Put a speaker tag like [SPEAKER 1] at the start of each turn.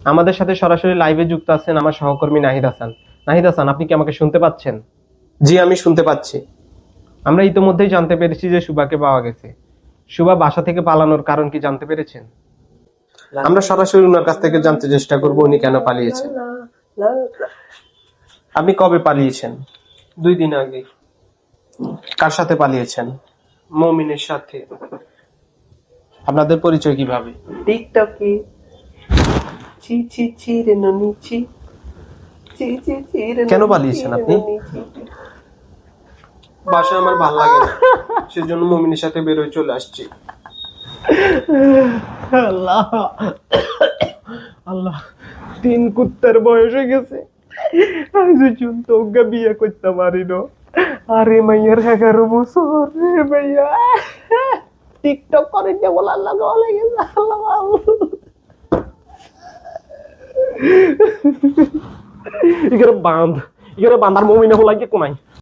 [SPEAKER 1] আমাদের সাথে সরাসরি লাইভে যুক্ত আছেন আমার সহকর্মী নাহিদ হাসান। নাহিদ হাসান, আপনি কি আমাকে শুনতে পাচ্ছেন? জি, আমি শুনতে পাচ্ছি। আমরা ইতোমধ্যেই জানতে পেরেছি যে সুভাকে পাওয়া গেছে। সুভা বাসা থেকে পালানোর কারণ কি জানতে পেরেছেন? আমরা সরাসরি ওনার কাছ থেকে জানতে চেষ্টা করব উনি কেন পালিয়েছেন। আপনি কবে পালিয়েছেন? 2 দিন আগে। কার সাথে পালিয়েছেন? মমিনের সাথে। আপনাদের পরিচয় কিভাবে?
[SPEAKER 2] টিকটকে চি চি চি রে ননি চি চি চি চি রে
[SPEAKER 1] কেন
[SPEAKER 2] ননি
[SPEAKER 1] পালিয়েছেন
[SPEAKER 2] চি রে
[SPEAKER 1] আপনি?
[SPEAKER 2] ননি চি।
[SPEAKER 1] বাসায় আমার ভাল লাগে না, সেজন্য মমিনের সাথে বের হয়ে চলে আসছি। আল্লাহ আল্লাহ, 3 কুত্তার বয়স হয়ে গেছে, আজ পর্যন্ত ওকে বিয়ে করতে পারি না। আরে মাইয়ার 11 বছর রে মাইয়া, টিকটক করে যে বলার লাগে গেছে। আল্লাহ ইগরে বাঁধ, ইগরে বাঁধার মমিনে হলাই কোনাই।